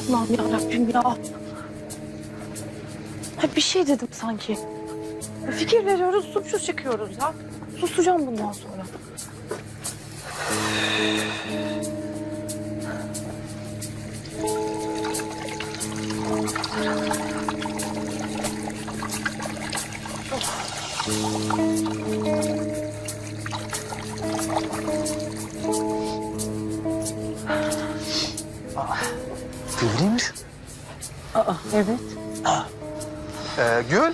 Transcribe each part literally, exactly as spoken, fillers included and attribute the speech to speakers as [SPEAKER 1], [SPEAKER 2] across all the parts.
[SPEAKER 1] Allah'ım yarabbim ya. Ha, bir şey dedim sanki. Fikir veriyoruz, suçlu çıkıyoruz ya. Susacağım bundan sonra.
[SPEAKER 2] Gül'ün.
[SPEAKER 1] Aa, evet.
[SPEAKER 2] Ee, Gül.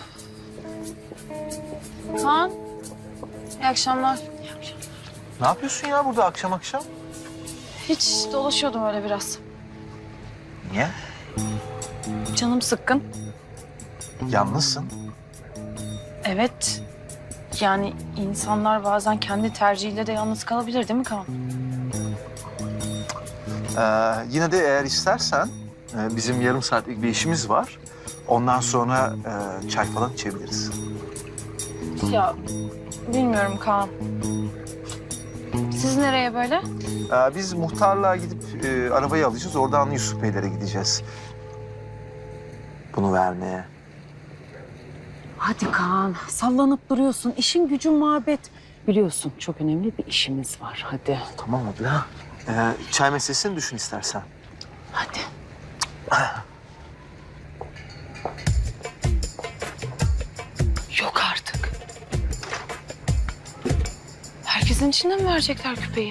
[SPEAKER 1] Kaan, iyi akşamlar.
[SPEAKER 2] Ne yapıyorsun ya burada akşam akşam?
[SPEAKER 1] Hiç dolaşıyordum öyle biraz.
[SPEAKER 2] Niye?
[SPEAKER 1] Canım sıkkın.
[SPEAKER 2] Yalnızsın.
[SPEAKER 1] Evet. Yani insanlar bazen kendi tercihiyle de yalnız kalabilir değil mi Kaan?
[SPEAKER 2] Ee, yine de eğer istersen e, bizim yarım saatlik bir işimiz var. Ondan sonra e, çay falan içebiliriz.
[SPEAKER 1] Ya bilmiyorum Kaan. Siz nereye böyle?
[SPEAKER 2] Ee, biz muhtarlığa gidip e, arabayı alacağız. Oradan Yusuf Beylere gideceğiz. Bunu vermeye.
[SPEAKER 3] Hadi Kaan, sallanıp duruyorsun. İşin gücün muhabbet. Biliyorsun çok önemli bir işimiz var. Hadi.
[SPEAKER 2] Tamam abla. Ee, çay meselesini düşün istersen.
[SPEAKER 3] Hadi.
[SPEAKER 1] Yok artık. Herkesin içinde mi verecekler küpeyi?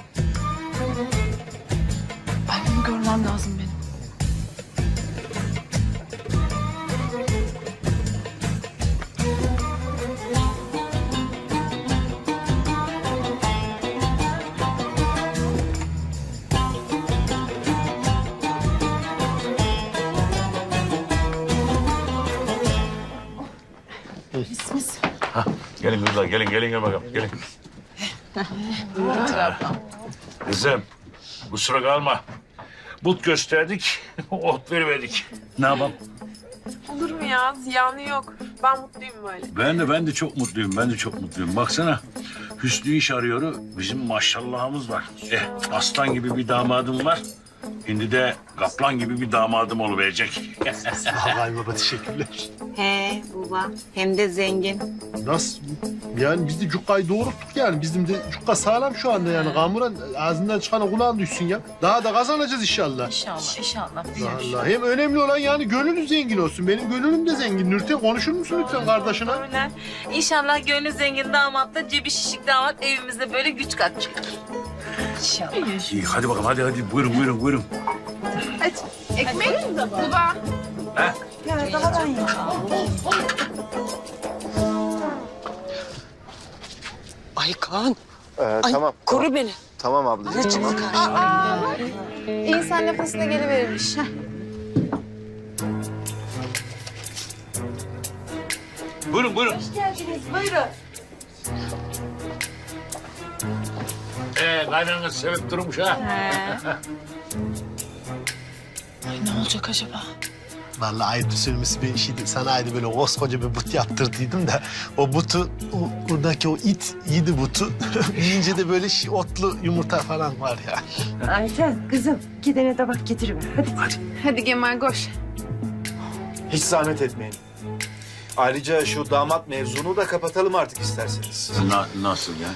[SPEAKER 1] Ay, bunu görmem lazım benim.
[SPEAKER 4] Gelin kızlar, gelin, gelin gel bakalım, gelin. Kızım, kusura kalma. But gösterdik, ot vermedik. Ne yapalım?
[SPEAKER 5] Olur mu ya? Ziyanı yok. Ben mutluyum böyle.
[SPEAKER 4] Ben de, ben de çok mutluyum, ben de çok mutluyum. Baksana, Hüsnü iş arıyor, bizim maşallahımız var. Eh, aslan gibi bir damadım var. Şimdi de kaplan gibi bir damadım oluverecek.
[SPEAKER 6] Vallahi baba teşekkürler.
[SPEAKER 7] He baba, hem de zengin.
[SPEAKER 6] Nasıl? Yani biz de cukkayı doğrulttuk yani. Bizim de cukka sağlam şu anda yani. Kamuran ağzından çıkan kulağın düşsün ya. Daha da kazanacağız inşallah.
[SPEAKER 1] İnşallah, inşallah.
[SPEAKER 6] Allah. Hem önemli olan yani gönlünüz zengin olsun. Benim gönlüm de zengin. Nurten konuşur musun lütfen kardeşine?
[SPEAKER 7] Öyle. İnşallah gönlü zengin damatla cebi şişik damat evimizde böyle güç katacak. İnşallah.
[SPEAKER 4] İyi, hadi bakalım, hadi hadi. Buyurun, buyurun, buyurun.
[SPEAKER 5] Ekmek mi baba?
[SPEAKER 4] He?
[SPEAKER 3] Ay Kaan,
[SPEAKER 2] Ee,
[SPEAKER 3] ay
[SPEAKER 2] tamam.
[SPEAKER 3] koru beni.
[SPEAKER 2] Tamam ablacığım. Tamam.
[SPEAKER 5] İnsan nefesine geliverirmiş.
[SPEAKER 4] Buyurun, buyurun.
[SPEAKER 5] Buyurun.
[SPEAKER 4] Ee, kaynanız sevip durmuş ha.
[SPEAKER 1] Ay, ne olacak acaba?
[SPEAKER 6] Vallahi ayıp söylemesi bir şeydi. Sana aydı böyle koskoca bir but yaptırdıydım da o butu, o, oradaki o it yedi butu. Yiyince de böyle şey, otlu yumurta falan var ya.
[SPEAKER 3] Ayten kızım gidene de bak getiriver. Hadi.
[SPEAKER 5] Hadi Kemal koş.
[SPEAKER 8] Hiç zahmet etmeyin. Ayrıca şu damat mevzunu da kapatalım artık isterseniz.
[SPEAKER 4] Na, nasıl ya?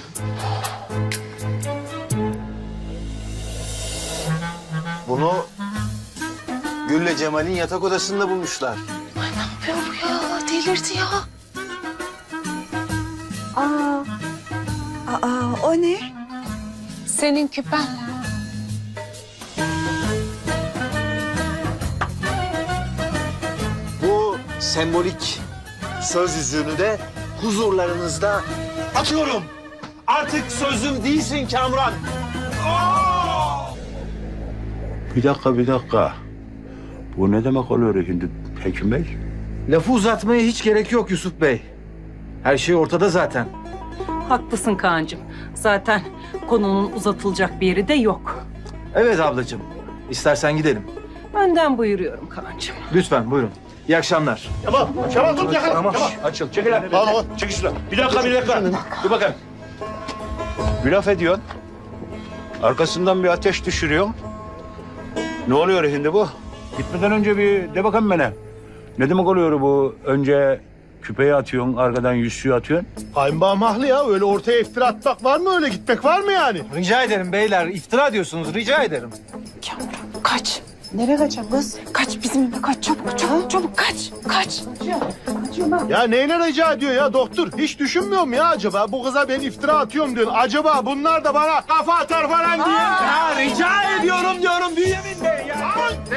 [SPEAKER 8] Bunu Gül'le Cemal'in yatak odasında bulmuşlar.
[SPEAKER 1] Ne yapıyor bu ya? Delirdi ya.
[SPEAKER 3] Aa, aa o ne?
[SPEAKER 1] Senin küpen.
[SPEAKER 8] Bu sembolik söz yüzüğünü de huzurlarınızda atıyorum. Artık sözüm değilsin Kamuran.
[SPEAKER 4] Bir dakika, bir dakika. Bu ne demek oluyor şimdi Hekim Bey?
[SPEAKER 8] Lafı uzatmaya hiç gerek yok Yusuf Bey. Her şey ortada zaten.
[SPEAKER 3] Haklısın Kaan'cığım. Zaten konunun uzatılacak bir yeri de yok.
[SPEAKER 8] Evet ablacığım. İstersen gidelim.
[SPEAKER 3] Önden buyuruyorum Kaan'cığım.
[SPEAKER 8] Lütfen buyurun. İyi akşamlar.
[SPEAKER 6] Tamam, Kemal tut yakala.
[SPEAKER 8] Tamam.
[SPEAKER 6] Kemal.
[SPEAKER 4] Açıl, çekil lan.
[SPEAKER 6] Tamam.
[SPEAKER 4] Çekil şuradan. Bir dakika, bir dakika. Dur bakayım. Bir laf ediyorsun. Arkasından bir ateş düşürüyorsun. Ne oluyor şimdi bu? Gitmeden önce bir de bakalım bana. Ne demek oluyor bu? Önce küpeyi atıyorsun, arkadan yüzüğü atıyorsun.
[SPEAKER 6] Kayınbağım haklı ya. Öyle ortaya iftira atmak var mı öyle? Gitmek var mı yani?
[SPEAKER 8] Rica ederim beyler. İftira diyorsunuz. Rica ederim.
[SPEAKER 1] Kamuran kaç.
[SPEAKER 3] Nereye kaçacağım kız?
[SPEAKER 1] Kaç bizim eve kaç. Çabuk çabuk çabuk kaç. Kaç.
[SPEAKER 6] Ya neyle rica ediyor ya doktor? Hiç düşünmüyor mu ya acaba? Bu kıza ben iftira atıyorum diyor. Acaba bunlar da bana kafa atar falan diye. Ya rica ediyorum diyorum Bünyamin Bey ya.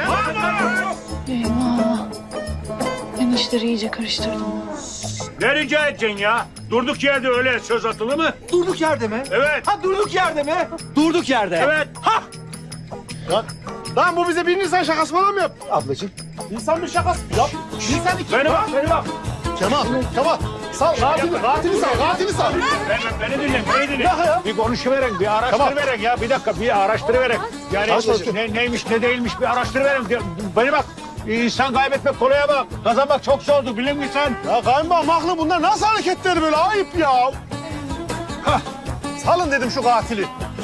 [SPEAKER 1] Eyvah. Ben işleri iyice karıştırdım.
[SPEAKER 4] Ne rica edeceksin ya? Durduk yerde öyle söz atılır mı?
[SPEAKER 8] Durduk yerde mi?
[SPEAKER 4] Evet.
[SPEAKER 8] Ha durduk yerde mi? Durduk yerde.
[SPEAKER 4] Evet.
[SPEAKER 6] Ha! Lan, lan bu bize bir Nisan şakası falan mı yaptı?
[SPEAKER 8] Ablacığım.
[SPEAKER 6] Nisan bir şakası. Yap. Nisan iki.
[SPEAKER 4] Beni bak, beni bak.
[SPEAKER 6] Kemal, Kemal. Sal, katili, katili sal, katili sal.
[SPEAKER 4] Beni, beni dinle, beni dinle.
[SPEAKER 6] Ya, ya.
[SPEAKER 4] Bir konuşuverek, bir araştırıverek ya. Bir dakika, bir araştırıverek. Yani
[SPEAKER 6] Araştır.
[SPEAKER 4] ne, neymiş, ne değilmiş bir araştırıverek. Beni bak, insan kaybetmek kolaya bak. Kazanmak çok zordur, bilir misin sen?
[SPEAKER 6] Ya kayınbağım haklı, bunlar nasıl hareketler böyle? Ayıp ya. Hah, salın dedim şu katili.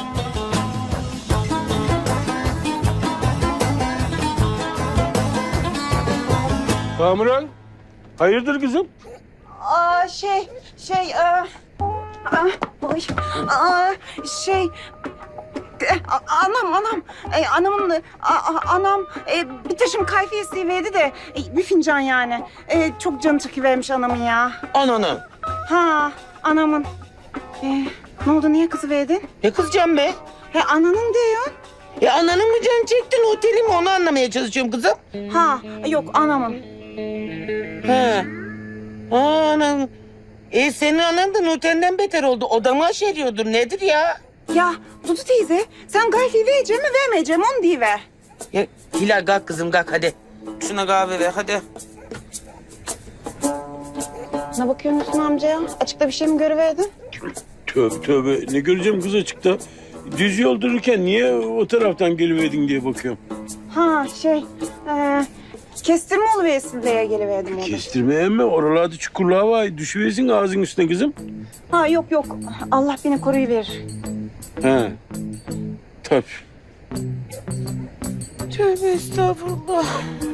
[SPEAKER 4] Kamuran, hayırdır kızım?
[SPEAKER 9] Aa, şey, şey, aa, aa, oy, aa, şey, e, a- anam, anam, e, anamın, a- a- anam e, bir taşım kayfiyesi verdi de e, bir fincan yani. E, çok canı çekivermiş anamın ya.
[SPEAKER 10] Ananı.
[SPEAKER 9] Ha, anamın. E, ne oldu, niye kızı verdin?
[SPEAKER 10] Ne kızacağım be?
[SPEAKER 9] He, ananın diyor.
[SPEAKER 10] Ya ananın mı canı çektin oteli mi onu anlamaya çalışıyorum kızım.
[SPEAKER 9] Ha, yok anamın.
[SPEAKER 10] He. Aa, anam. E senin anan da Nurten'den beter oldu. Odamı aşeriyordur. Nedir ya?
[SPEAKER 9] Ya Dudu teyze, sen kayfiyi vereceğim mi vermeyeceğim onu diyiver.
[SPEAKER 10] Ya Hilal kalk kızım kalk hadi. Şuna kahve ver hadi.
[SPEAKER 9] Ne bakıyorsun amcaya? Açıkta bir şey mi görüverdin?
[SPEAKER 11] Tövbe tövbe. Ne göreceğim kız açıkta? Düz yol dururken niye o taraftan geliverdin diye bakıyorum.
[SPEAKER 9] Ha şey, e, kestirme oluversin diye geliverdim onu.
[SPEAKER 11] Kestirmeye mi? Oralarda çukurluğa var. Düşüversin ağzın üstüne kızım.
[SPEAKER 9] Ha yok yok, Allah beni koruyuverir.
[SPEAKER 11] He. Tabii.
[SPEAKER 10] Tövbe estağfurullah.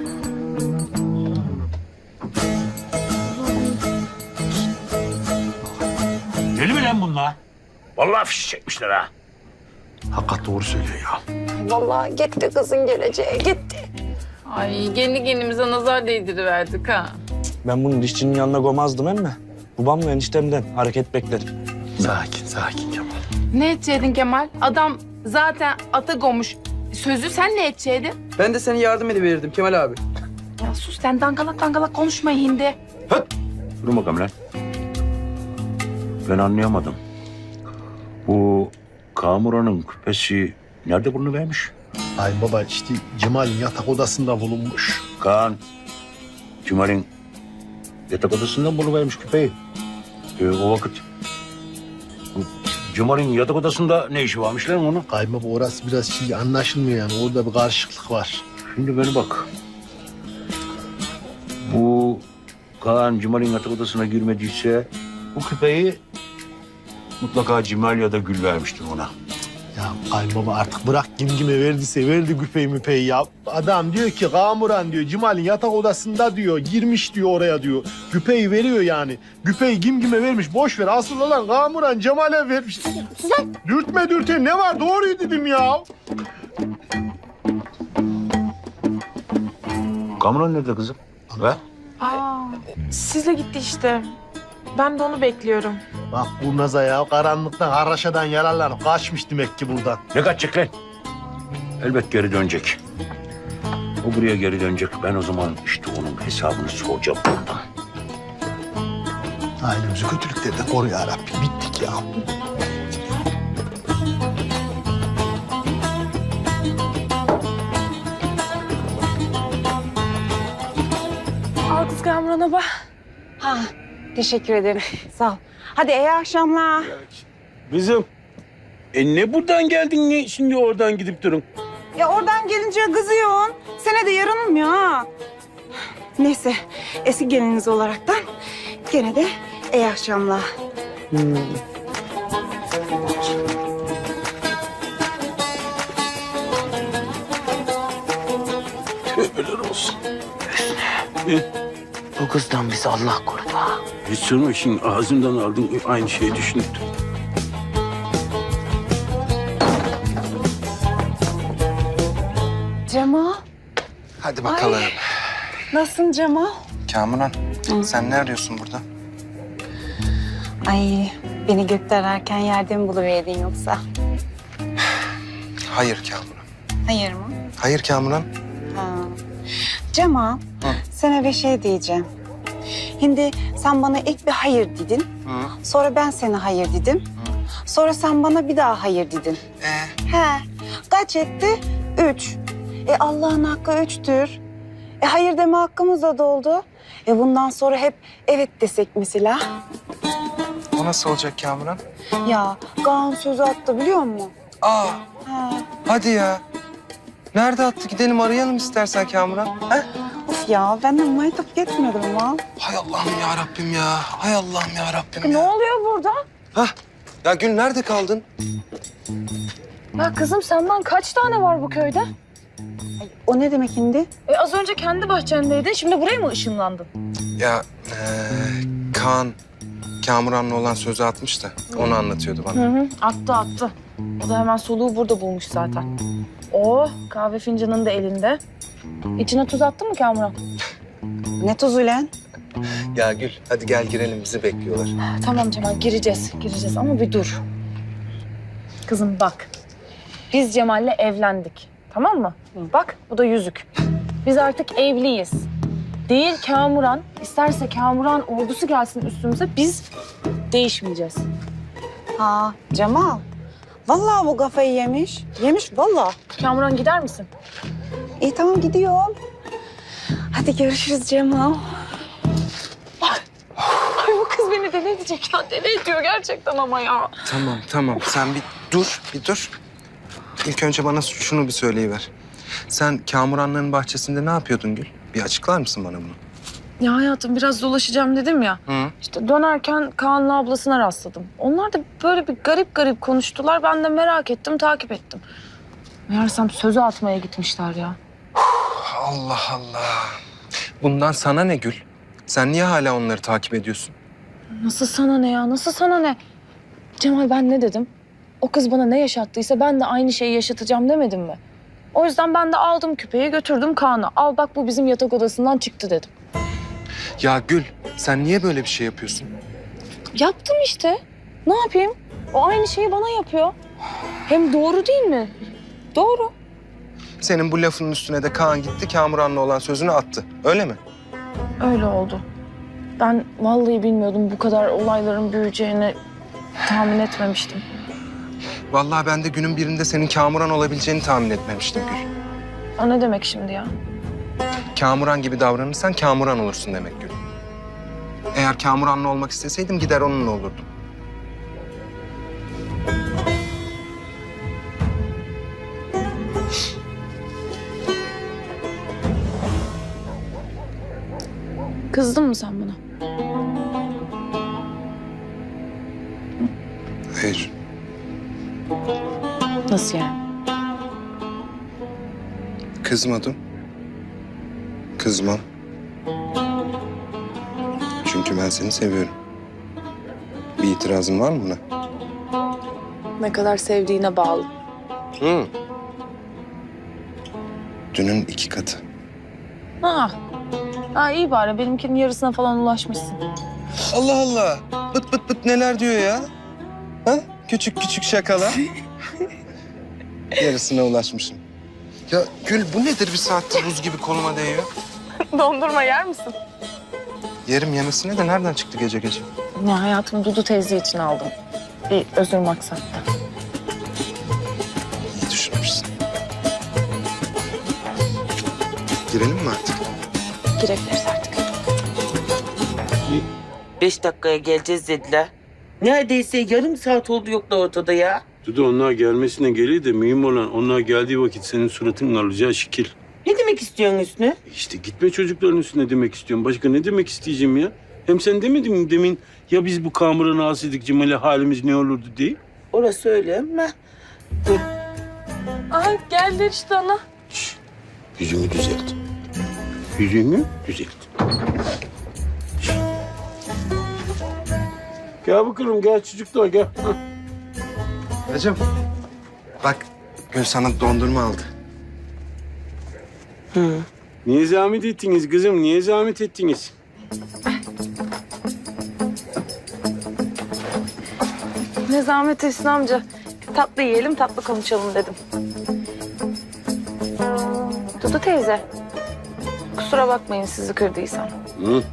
[SPEAKER 4] Deli mi lan bunlar? Vallahi fiş çekmişler ha.
[SPEAKER 6] Hakikat doğru söylüyor ya.
[SPEAKER 9] Vallahi gitti kızın geleceği, gitti.
[SPEAKER 7] Ay kendi kendimize nazar değdiriverdik ha.
[SPEAKER 12] Ben bunun dişçinin yanına gomazdım emme. Babamla eniştemden hareket beklerim.
[SPEAKER 6] Sakin, sakin Kemal.
[SPEAKER 5] Ne edeceydin Kemal? Adam zaten ata gomuş. Sözü sen ne edeceydin?
[SPEAKER 12] Ben de seni yardım ediverirdim Kemal abi.
[SPEAKER 5] Ya sus sen dangalak dangalak konuşma hindi.
[SPEAKER 4] Dur bakalım lan. Ben anlayamadım. Bu Kamuran'ın küpesi nerede bunu vermiş?
[SPEAKER 6] Ay baba işte Cemal'in yatak odasında bulunmuş.
[SPEAKER 4] Kaan, Cemal'in yatak odasından buluvermiş küpeyi. Ee, o vakit bu Cemal'in yatak odasında ne işi varmış lan onun?
[SPEAKER 6] Kayınbaba orası biraz şey anlaşılmıyor yani. Orada bir karışıklık var.
[SPEAKER 4] Şimdi beni bak. Bu Kaan Cemal'in yatak odasına girmediyse bu küpeyi mutlaka Cemal ya da Gül vermiştir ona.
[SPEAKER 6] Ya kayınbaba artık bırak kim kime verdiyse verdi güpeyi müpeyi ya. Adam diyor ki Kamuran diyor Cemal'in yatak odasında diyor girmiş diyor oraya diyor. Güpeyi veriyor yani. Güpeyi kim kime vermiş boş ver. Asıl olan Kamuran Cemal'e vermiş. Dürtme dürte ne var doğruyu dedim ya.
[SPEAKER 4] Kamuran nerede kızım? Ver.
[SPEAKER 5] Aa, sizle gitti işte. Ben de onu bekliyorum.
[SPEAKER 6] Bak bu naza ya karanlıktan haraşadan yararlanıp kaçmış demek ki buradan.
[SPEAKER 4] Ne kaçacak lan? Elbet geri dönecek. O buraya geri dönecek. Ben o zaman işte onun hesabını soracağım buradan.
[SPEAKER 6] Ailemizi kötülüklerden koru ya Rabbi. Bittik ya.
[SPEAKER 5] Al kız Kamuran'a bak.
[SPEAKER 9] Ha, teşekkür ederim. Sağ ol. Hadi iyi akşamlar.
[SPEAKER 11] Kızım. E ne buradan geldin ne şimdi oradan gidip durun?
[SPEAKER 9] Ya oradan gelince kızıyorsun. Sene de yaranılmıyor ha. Neyse, eski geliniz olaraktan gene de iyi akşamlar.
[SPEAKER 11] Tövbeler E,
[SPEAKER 10] Bu kızdan bizi Allah korudu ha.
[SPEAKER 11] hiç sorma şimdi ağzımdan aldın aynı şeyi düşündüm.
[SPEAKER 3] Cemal,
[SPEAKER 13] Hadi bakalım.
[SPEAKER 3] nasılsın Cemal?
[SPEAKER 13] Kamuran, sen ne arıyorsun burada?
[SPEAKER 9] Ay beni gökte ararken yerde mi buluverdin yoksa?
[SPEAKER 13] Hayır Kamuran.
[SPEAKER 9] Hayır mı?
[SPEAKER 13] Hayır Kamuran.
[SPEAKER 9] Ha. Cemal, sana bir şey diyeceğim. Şimdi sen bana ilk bir hayır dedin.
[SPEAKER 13] Hı.
[SPEAKER 9] Sonra ben sana hayır dedim. Sonra sen bana bir daha hayır dedin.
[SPEAKER 13] Ee?
[SPEAKER 9] He. Kaç etti? Üç. E Allah'ın hakkı üçtür. E hayır deme hakkımız da doldu. E bundan sonra hep evet desek mesela.
[SPEAKER 13] O nasıl olacak Kamuran?
[SPEAKER 9] Ya Kaan sözü attı biliyor musun?
[SPEAKER 13] Aa,
[SPEAKER 9] Ha.
[SPEAKER 13] hadi ya. Nerede attı? Gidelim arayalım istersen Kamuran. He?
[SPEAKER 9] Of ya ben de maytap gitmedim lan.
[SPEAKER 13] Hay Allah'ım ya Rabbim ya. Hay Allah'ım ya Rabbim
[SPEAKER 1] Ne
[SPEAKER 13] ya.
[SPEAKER 1] oluyor burada?
[SPEAKER 13] Hah. Ya Gül nerede kaldın?
[SPEAKER 1] Ya kızım senden kaç tane var bu köyde?
[SPEAKER 9] O ne demek şimdi?
[SPEAKER 1] E az önce kendi bahçendeydin, şimdi buraya mı ışınlandın?
[SPEAKER 13] Ya ee, Kaan Kamuran'la olan sözü atmış da onu anlatıyordu bana.
[SPEAKER 1] Hı hı, attı attı. O da hemen soluğu burada bulmuş zaten. Oh, kahve fincanın da elinde. İçine tuz attın mı Kamuran?
[SPEAKER 9] Ne tuzu lan?
[SPEAKER 13] Ya Gül hadi gel girelim bizi bekliyorlar.
[SPEAKER 1] Tamam Cemal, gireceğiz, gireceğiz ama bir dur. Kızım bak, biz Cemal'le evlendik, tamam mı? Bak, bu da yüzük. Biz artık evliyiz. Değil Kamuran, isterse Kamuran ordusu gelsin üstümüze, biz değişmeyeceğiz.
[SPEAKER 9] Ha Cemal. Vallahi bu kafayı yemiş. Yemiş vallahi.
[SPEAKER 1] Kamuran gider misin?
[SPEAKER 9] İyi tamam gidiyorum. Hadi görüşürüz Cemal.
[SPEAKER 1] Ay bu kız beni deli edecek ya, deli ediyor gerçekten ama ya.
[SPEAKER 13] Tamam tamam sen bir dur bir dur. İlk önce bana şunu bir söyleyiver. Sen Kamuranların bahçesinde ne yapıyordun Gül? Bir açıklar mısın bana bunu?
[SPEAKER 1] Ya hayatım biraz dolaşacağım dedim ya.
[SPEAKER 13] Hı.
[SPEAKER 1] İşte dönerken Kaan'la ablasına rastladım. Onlar da böyle bir garip garip konuştular. Ben de merak ettim, takip ettim. Meğersem sözü atmaya gitmişler ya.
[SPEAKER 13] Allah Allah. Bundan sana ne Gül? Sen niye hala onları takip ediyorsun?
[SPEAKER 1] Nasıl sana ne ya? Nasıl sana ne? Cemal ben ne dedim? O kız bana ne yaşattıysa ben de aynı şeyi yaşatacağım demedim mi? O yüzden ben de aldım küpeyi götürdüm Kaan'a. Al bak bu bizim yatak odasından çıktı dedim.
[SPEAKER 13] Ya Gül sen niye böyle bir şey yapıyorsun?
[SPEAKER 1] Yaptım işte. Ne yapayım? O aynı şeyi bana yapıyor. Hem doğru değil mi? Doğru.
[SPEAKER 13] Senin bu lafının üstüne de Kaan gitti Kamuran'la olan sözünü attı. Öyle mi?
[SPEAKER 1] Öyle oldu. Ben vallahi bilmiyordum bu kadar olayların büyüyeceğini tahmin etmemiştim.
[SPEAKER 13] Vallahi ben de günün birinde senin Kamuran olabileceğini tahmin etmemiştim Gül.
[SPEAKER 1] O ne demek şimdi ya?
[SPEAKER 13] Kamuran gibi davranırsan Kamuran olursun demek Gül. Eğer Kamuran'la olmak isteseydim gider onunla olurdum.
[SPEAKER 1] Kızdın mı sen buna?
[SPEAKER 13] Hayır.
[SPEAKER 1] Nasıl yani?
[SPEAKER 13] Kızmadım. Kızmam. Çünkü ben seni seviyorum. Bir itirazın var mı buna?
[SPEAKER 1] Ne kadar sevdiğine bağlı.
[SPEAKER 13] Hı. Dünün iki katı.
[SPEAKER 1] Ha. Ha iyi bari benimkinin yarısına falan ulaşmışsın.
[SPEAKER 13] Allah Allah. Bıt bıt bıt neler diyor ya? Ha? Küçük küçük şakalar. Yarısına ulaşmışım. Ya Gül bu nedir bir saattir buz gibi koluma değiyor?
[SPEAKER 1] Dondurma yer misin?
[SPEAKER 13] Yerim yemesine de nereden çıktı gece gece?
[SPEAKER 1] Ya hayatım Dudu teyze için aldım. Bir özür maksatlı.
[SPEAKER 13] İyi düşünmüşsün. Girelim mi artık?
[SPEAKER 1] Girebiliriz artık.
[SPEAKER 10] Beş dakikaya geleceğiz dediler. Neredeyse yarım saat oldu yoklar ortada ya.
[SPEAKER 11] Dudu onlar gelmesine geliyor da mühim olan onlar geldiği vakit senin suratının alacağı şekil.
[SPEAKER 10] Ne demek istiyorsun Hüsnü?
[SPEAKER 11] İşte gitme çocukların üstüne demek istiyorum. Başka ne demek isteyeceğim ya? Hem sen demedin mi demin ya biz bu Kamuran'ı alsaydık Cemal'e halimiz ne olurdu diye?
[SPEAKER 10] Orası öyle ama... Dur.
[SPEAKER 1] Aha geldiler işte ana.
[SPEAKER 11] Yüzümü düzelt. Yüzünü düzelt. Gel bakalım, gel çocuklar, gel. Hah.
[SPEAKER 13] Hacım bak Gül sana dondurma aldı.
[SPEAKER 11] Hı. Niye zahmet ettiniz kızım? Niye zahmet ettiniz?
[SPEAKER 1] Ne zahmet Hüsnü amca. Tatlı yiyelim, tatlı konuşalım dedim. Dudu teyze. Kusura bakmayın sizi kırdıysam.
[SPEAKER 11] Hı.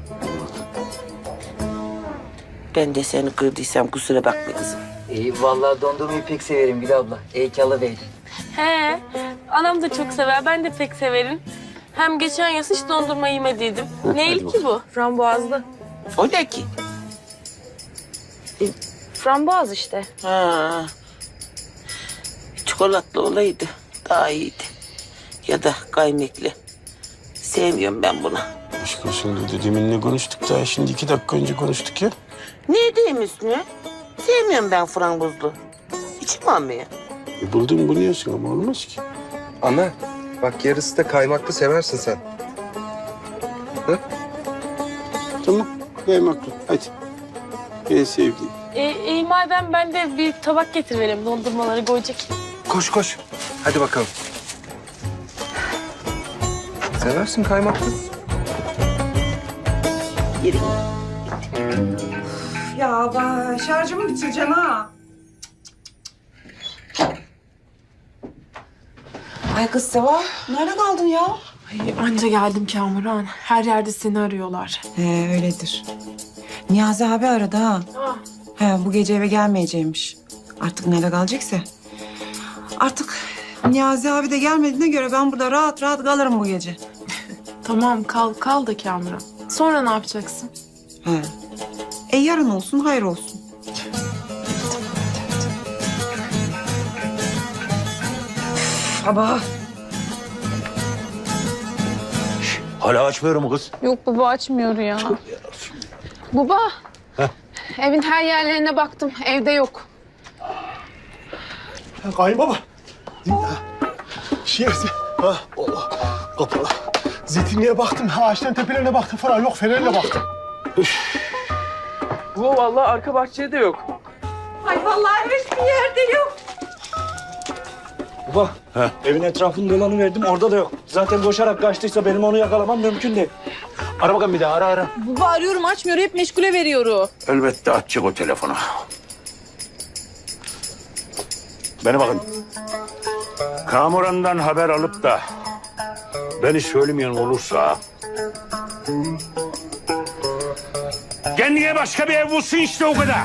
[SPEAKER 10] Ben de seni kırdıysam kusura bakma kızım.
[SPEAKER 14] İyi vallahi dondurmayı pek severim Gül abla. İyi ki alıverdin.
[SPEAKER 15] He, anam da çok sever. Ben de pek severim. Hem geçen yaz hiç dondurma yemediydim. Neyli ki bu?
[SPEAKER 1] Frambuazlı.
[SPEAKER 10] O ne ki?
[SPEAKER 1] Frambuaz işte.
[SPEAKER 10] Ha. Çikolatlı olaydı daha iyiydi. Ya da kaymaklı. Sevmiyorum ben bunu.
[SPEAKER 11] Aşk olsun dedi. Deminle konuştuk daha. Şimdi iki dakika önce konuştuk ya.
[SPEAKER 10] Ne diyeyim Hüsnü? Sevmiyorum ben frangozlu. İçim almıyor.
[SPEAKER 11] E buldun bunu yiyorsun ama olmaz ki.
[SPEAKER 13] Ana bak yarısı da kaymaklı seversin sen. Hı?
[SPEAKER 11] Tamam. Kaymaklı. Hadi. En sevdiğim.
[SPEAKER 15] E, iyi madem ben de bir tabak getiriverim. Dondurmaları koyacak.
[SPEAKER 13] Koş koş. Hadi bakalım. Seversin kaymaklı.
[SPEAKER 10] Yürü.
[SPEAKER 9] Ya ben şarjımı bitireceksin ha. Ay kız Seva, nerede kaldın ya?
[SPEAKER 5] Ay, anca geldim Kamuran. Her yerde seni arıyorlar.
[SPEAKER 9] He öyledir. Niyazi abi aradı ha. He bu gece eve gelmeyeceğimiş. Artık nerede kalacaksa. Artık Niyazi abi de gelmediğine göre ben burada rahat rahat kalırım bu gece.
[SPEAKER 5] Tamam kal, kal da Kamuran. Sonra ne yapacaksın?
[SPEAKER 9] He. E yarın olsun, hayır olsun. Baba.
[SPEAKER 4] Hala açmıyorum mu kız?
[SPEAKER 5] Yok baba açmıyor ya. Baba. Evin her yerlerine baktım. Evde yok.
[SPEAKER 6] Kayınbaba. Şey, ha, Allah, kapalı. Zeytinliğe baktım, ağaçların tepelerine baktım falan. Yok, fenerle baktım.
[SPEAKER 16] Bu vallahi arka bahçede de yok.
[SPEAKER 9] Ay vallahi hiçbir yerde yok.
[SPEAKER 12] Baba,
[SPEAKER 4] He.
[SPEAKER 12] evin etrafını dolanıverdim, orada da yok. Zaten koşarak kaçtıysa benim onu yakalamam mümkün değil.
[SPEAKER 4] Ara bakalım bir daha, ara ara.
[SPEAKER 3] Baba arıyorum açmıyor, hep meşgule veriyor.
[SPEAKER 4] Elbette açacak o telefonu. Bana bakın. Kamuran'dan haber alıp da beni söylemeyen olursa... kendine başka bir ev bulsun işte o kadar.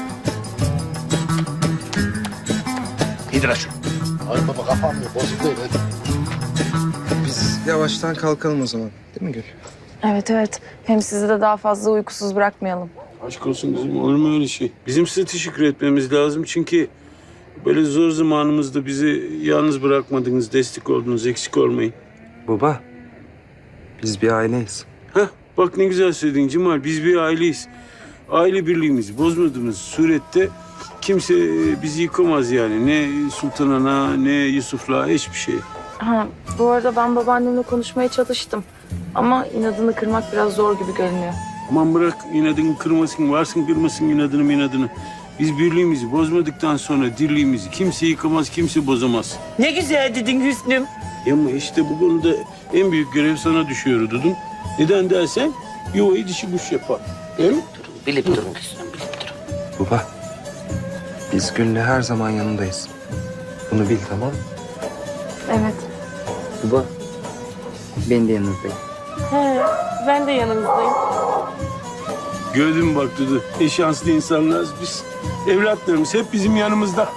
[SPEAKER 4] İndir şunu.
[SPEAKER 6] Ay baba kafam yok, bozuk değil. Hadi.
[SPEAKER 13] Biz yavaştan kalkalım o zaman. Değil mi Gül?
[SPEAKER 1] Evet evet. Hem sizi de daha fazla uykusuz bırakmayalım.
[SPEAKER 11] Aşk olsun kızım, olur mu öyle şey? Bizim size teşekkür etmemiz lazım çünkü... böyle zor zamanımızda bizi yalnız bırakmadınız, destek oldunuz, eksik olmayın.
[SPEAKER 13] Baba, biz bir aileyiz.
[SPEAKER 11] Heh, bak ne güzel söyledin Cemal, biz bir aileyiz. Aile birliğimizi bozmadığımız surette kimse bizi yıkamaz yani. Ne Sultan Ana, ne Yusuf'la, hiçbir şey.
[SPEAKER 1] Ha, bu arada ben babaannemle konuşmaya çalıştım. Ama inadını kırmak biraz zor gibi görünüyor.
[SPEAKER 11] Aman bırak inadını kırmasın, varsın kırmasın inadını inadını. Biz birliğimizi bozmadıktan sonra dirliğimizi kimse yıkamaz, kimse bozamaz.
[SPEAKER 10] Ne güzel dedin Hüsnüm.
[SPEAKER 11] Ya ama işte bu konuda en büyük görev sana düşüyor Dudum. Neden dersen yuvayı dişi kuş yapar. Değil mi?
[SPEAKER 10] Bilip durun Hüsnüm, bilip durun.
[SPEAKER 13] Baba, biz Gül'le her zaman yanındayız. Bunu bil, tamam mı?
[SPEAKER 1] Evet.
[SPEAKER 14] Baba, ben de yanınızdayım.
[SPEAKER 15] He, ben de yanınızdayım.
[SPEAKER 11] Gördün mü bak Dudu? Ne şanslı insanlarız biz. Evlatlarımız hep bizim yanımızda.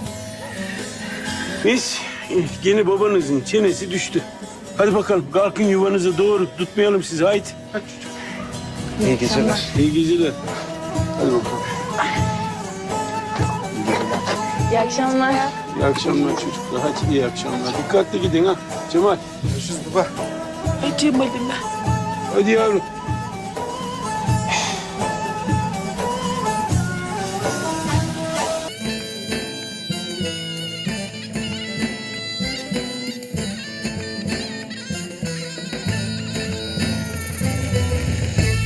[SPEAKER 11] Neyse, gene babanızın çenesi düştü. Hadi bakalım kalkın yuvanıza doğru. Tutmayalım sizi, haydi. Hadi çocuğum.
[SPEAKER 13] İyi geceler.
[SPEAKER 11] İyi geceler. Hadi bakalım.
[SPEAKER 1] İyi akşamlar.
[SPEAKER 11] İyi akşamlar çocuklar. Hadi iyi akşamlar. Dikkatli gidin ha. Cemal.
[SPEAKER 13] Görüşürüz baba.
[SPEAKER 11] Hadi Cemal'im. Hadi yavrum.